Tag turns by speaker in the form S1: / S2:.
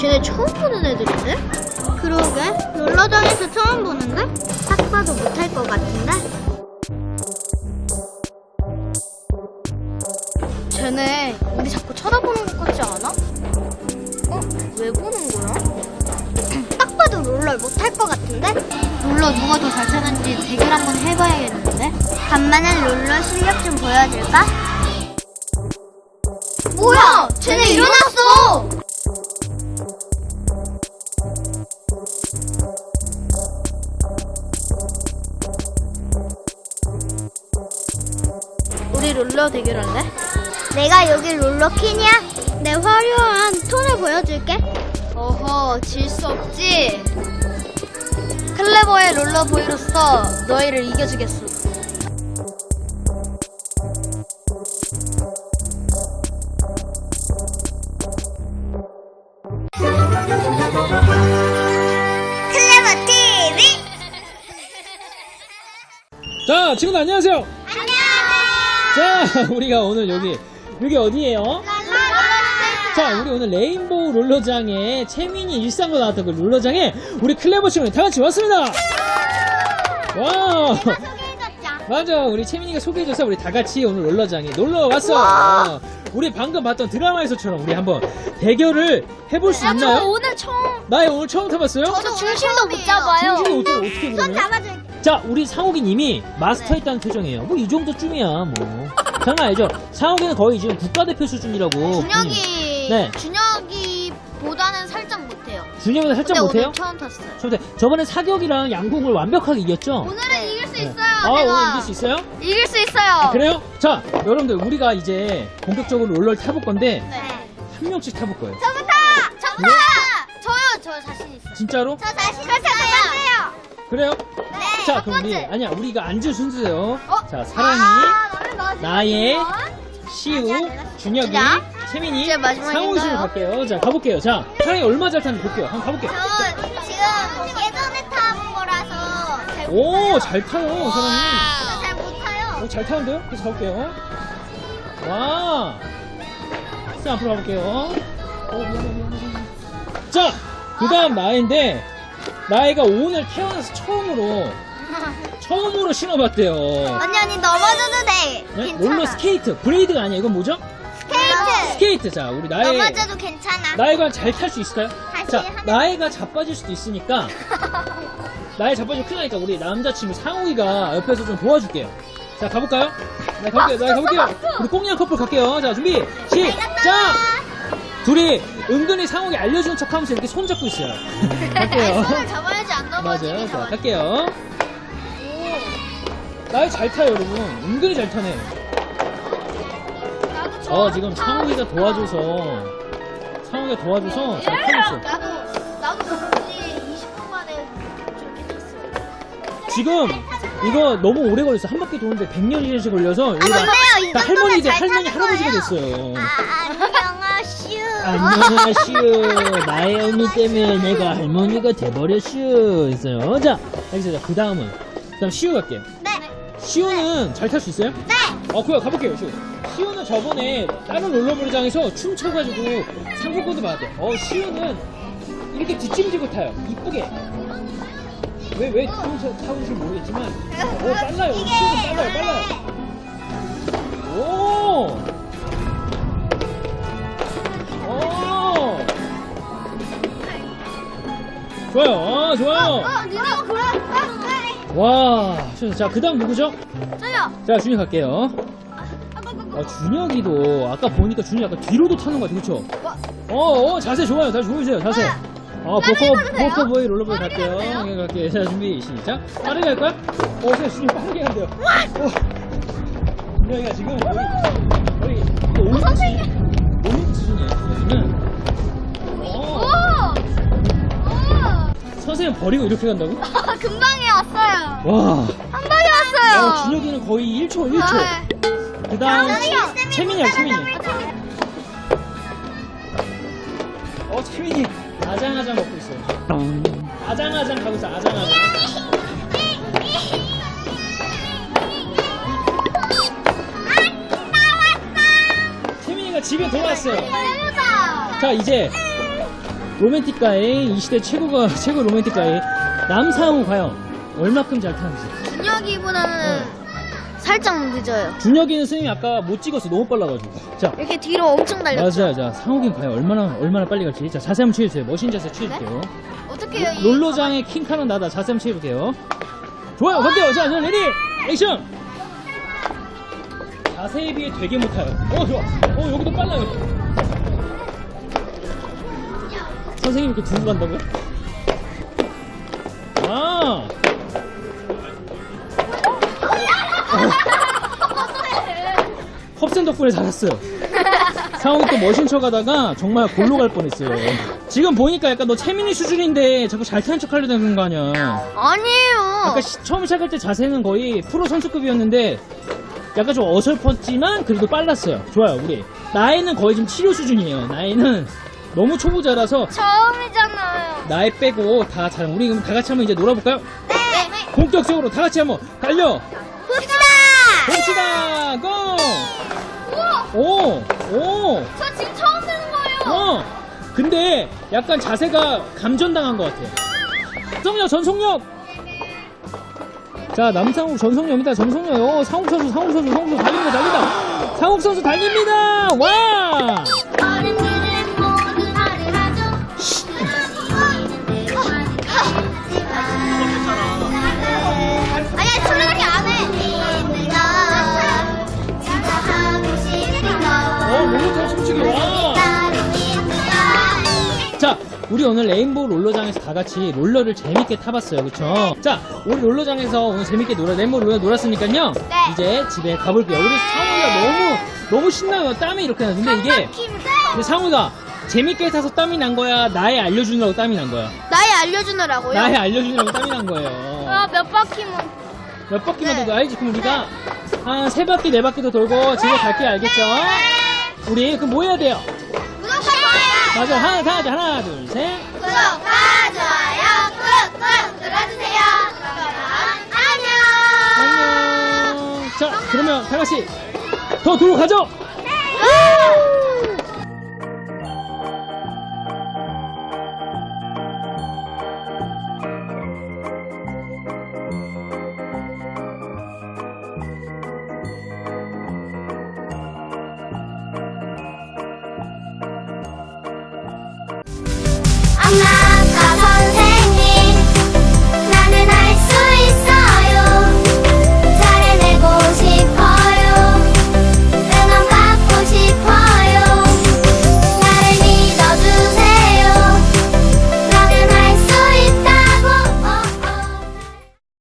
S1: 쟤네 처음 보는 애들인데? 그러게, 롤러장에서 처음 보는데? 딱 봐도 못할 것 같은데? 쟤네 우리 자꾸 쳐다보는 것 같지 않아? 왜 보는 거야? 딱 봐도 롤러 못할 것 같은데? 롤러 누가 더 잘 타는지 대결 한번 해봐야겠는데? 간만에 롤러 실력 좀 보여줄까? 뭐야! 쟤네 일어났어! 우리 롤러 대결할래? 내가 여기 롤러퀸이야? 내 화려한 톤을 보여줄게. 어허, 질 수 없지? 클레버의 롤러보이로서 너희를 이겨주겠어. 클레버 TV!
S2: 자, 친구들 안녕하세요.
S1: 안녕!
S2: 자, 우리가 오늘 여기 어디예요? 자, 우리 오늘 레인보우 롤러장에 채민이 일상으로 나왔던 그 롤러장에 우리 클레버 친구들 다 같이 왔습니다. 와, 맞아, 우리 채민이가 소개해줘서 우리 다 같이 오늘 롤러장에 놀러 왔어. 우리 방금 봤던 드라마에서처럼 우리 한번 대결을 해볼 수 있나요?
S1: 저 오늘 처음.
S2: 나 오늘 처음 타봤어요?
S1: 저도 중심도 못 잡아요.
S2: 중심도 못 잡아 어떻게 그러면?
S1: 잡아줄게.
S2: 자, 우리 상욱이님이 마스터했다는 표정이에요. 뭐 이 정도쯤이야 뭐. 장난 아니죠? 상욱이는 거의 지금 국가대표 수준이라고.
S1: 준혁이.
S2: 네.
S1: 준혁이보다는 살짝 못해요.
S2: 준혁이보다 살짝
S1: 근데
S2: 못해요?
S1: 오늘 처음 탔어요.
S2: 저번에 사격이랑 양궁을 완벽하게 이겼죠?
S1: 오늘은 이길 수
S2: 네.
S1: 있어요.
S2: 아,
S1: 제가.
S2: 오늘 이길 수 있어요?
S1: 이길 수 있어요.
S2: 그래요? 자, 여러분들 우리가 이제 본격적으로 롤러를 타볼 건데
S1: 네.
S2: 한 명씩 타볼 거예요.
S1: 저부터. 저요. 저 자신 있어요.
S2: 진짜로?
S1: 저 자신 있어요.
S2: 그래요?
S1: 네.
S2: 자,
S1: 첫
S2: 그럼
S1: 번째.
S2: 우리가 앉을 순서예요. 자, 사랑이,
S1: 나는 마지막.
S2: 나의, 시우, 준혁이,
S1: 준혁.
S2: 채민이,
S1: 이제 마지막인가요?
S2: 상욱이 순으로 갈게요. 자, 가볼게요. 자, 사랑이 얼마 잘 타는지 볼게요. 한번 가볼게요.
S1: 저 지금 예전에 타본 거라서 잘
S2: 오, 잘 타요, 사랑이.
S1: 잘 못 타요.
S2: 오, 잘 타는데요? 그래서 가볼게요. 와. 자, 앞으로 가볼게요. 자, 그 다음 나인데, 나이가 오늘 태어나서 처음으로 신어봤대요.
S1: 언니 넘어져도 돼.
S2: 네?
S1: 괜찮아.
S2: 롤러 스케이트. 브레이드가 아니야. 이건 뭐죠?
S1: 스케이트.
S2: 스케이트. 자, 우리
S1: 넘어져도 괜찮아.
S2: 나이가 잘 탈 수 있을까요?
S1: 다시
S2: 자,
S1: 하면-
S2: 나이가 자빠질 수도 있으니까, 나이 자빠지면 큰일 나니까 우리 남자친구 상욱이가 옆에서 좀 도와줄게요. 자, 가볼까요? 네, 가볼게요. 우리 꽁냥 커플 갈게요. 자, 준비, 시작! 둘이 은근히 상욱이 알려주는 척 하면서 이렇게 손 잡고 있어요. 갈게요.
S1: 손을 잡아야지 안 넘어지게.
S2: 맞아요. 자, 갈게요. 나이 잘 타요, 여러분. 은근히 잘 타네. 지금 상욱이가 도와줘서 잘 타고 있어.
S1: 나도 굳이 20분 만에 저렇게 탔어요.
S2: 지금 이거 너무 오래 걸렸어. 한 바퀴 도는데 100년이 걸려서 여기
S1: 안 돼요. 이
S2: 나
S1: 정도면 잘
S2: 할머니
S1: 타는
S2: 할아버지가
S1: 거예요.
S2: 됐어요.
S1: 안녕하슈.
S2: 안녕하시오. 나의 언니 때문에 내가 할머니가 돼버렸슈. 있어요. 자, 여기서 그 다음은 시우 갈게요.
S1: 네.
S2: 시우는 잘 탈 수 있어요?
S1: 네.
S2: 그래 가볼게요. 시우는 저번에 다른 롤러블장에서 춤춰가지고 상품권도 받았대요. 시우는 이렇게 뒷짐지고 타요. 이쁘게. 왜 타고인지 모르겠지만 빨라요. 시우는 빨라요. 오! 좋아요. 좋아요.
S1: 누나 그래.
S2: 와, 자, 그 다음 누구죠?
S1: 저요.
S2: 자, 준혁 갈게요. 준혁이도 아까 보니까 준혁이 약간 뒤로도 타는 것 같아, 그쵸? 자세 좋아요. 다시 보여주세요, 자세. 포커보이 롤러보이 갈게요. 갈게요. 자, 준비, 시작. 빠르게 할 거야? 준혁이 빠르게 간대요. 준혁이가 지금 거의 올림픽 수준이에요, 준혁이는. 선생님 버리고 이렇게 간다고?
S1: 금방에 왔어요.
S2: 와.
S1: 한 방에 왔어요.
S2: 준혁이는 거의 1초. 그 다음, 채민이. 채민이 아장아장 먹고 있어요. 아장아장 가고 있어, 아장아장. 채민이가 집에 돌아왔어요. 자, 이제 로맨틱가의 이 시대 최고 로맨틱가의 남상우 과연 얼마큼 잘 타는지.
S1: 준혁이보다는 살짝 늦어요.
S2: 준혁이는 스님이 아까 못 찍었어. 너무 빨라가지고. 자,
S1: 이렇게 뒤로 엄청 달렸죠.
S2: 맞아. 자, 상욱이는 과연 얼마나 빨리 갈지. 자, 자세 한번 취해주세요. 멋진 자세 취해주세요.
S1: 어떻게 해요?
S2: 롤러장의 킹카는 나다. 자세 한번 취해볼게요. 좋아요. 갈게요. 자, 레디 액션. 자세에 비해 되게 못타요. 좋아. 여기도 빨라요. 선생님 이렇게 두고 간다고요? 아. 컵센 덕분에 잘했어요. 상욱이 또 머신 쳐가다가 정말 골로 갈 뻔했어요. 지금 보니까 약간 너 채민이 수준인데 자꾸 잘 타는 척 하려고 하는 거 아니야.
S1: 아니에요.
S2: 아까 처음 시작할 때 자세는 거의 프로 선수급이었는데 약간 좀 어설펐지만 그래도 빨랐어요. 좋아요. 우리 나이는 거의 지금 치료 수준이에요. 나이는 너무 초보자라서
S1: 처음이잖아요.
S2: 나이 빼고 다 잘. 우리 그럼 다 같이 한번 이제 놀아볼까요?
S1: 네.
S2: 본격적으로 다 같이 한번 달려
S1: 봅시다.
S2: 봅시다. 고!
S1: 우와.
S2: 오!
S1: 저 지금 처음 되는 거예요.
S2: 근데 약간 자세가 감전당한 것 같아. 전속력! 자, 남상욱 전속력입니다. 전속력. 상욱 선수 달립니다. 상욱 선수 달립니다. 와!
S1: 어른들은 모두 말을 하죠. 아니야, 저렇게 안 해. 진짜 하고 싶은 거.
S2: 롤러장 춤추기. 와! 자, 우리 오늘 레인보우 롤러장에서 다 같이 롤러를 재밌게 타봤어요. 그쵸? 자, 우리 롤러장에서 오늘 재밌게 레인보우 롤러 놀았으니까요.
S1: 네.
S2: 이제 집에 가볼게요. 우리 상우가 너무 신나요. 땀이 이렇게 나는데 이게. 근데 상우가 재밌게 타서 땀이 난 거야? 나에 알려주느라고 땀이 난 거야?
S1: 나에 알려주느라고요?
S2: 나에 알려주느라고 땀이 난 거예요.
S1: 몇 바퀴만.
S2: 몇 바퀴만
S1: 네.
S2: 돌고 알지? 그럼 우리가 한 3바퀴, 4바퀴 더 돌고 집에 갈게요. 알겠죠? 우리 그럼 뭐 해야 돼요?
S1: 구독과 좋아요.
S2: 맞아. 하나, 둘, 셋.
S1: 구독과 좋아요 꾹꾹 눌러주세요. 그럼 안녕.
S2: 안녕. 자, 그러면 다 같이 더 돌고 가죠.
S1: 엄마.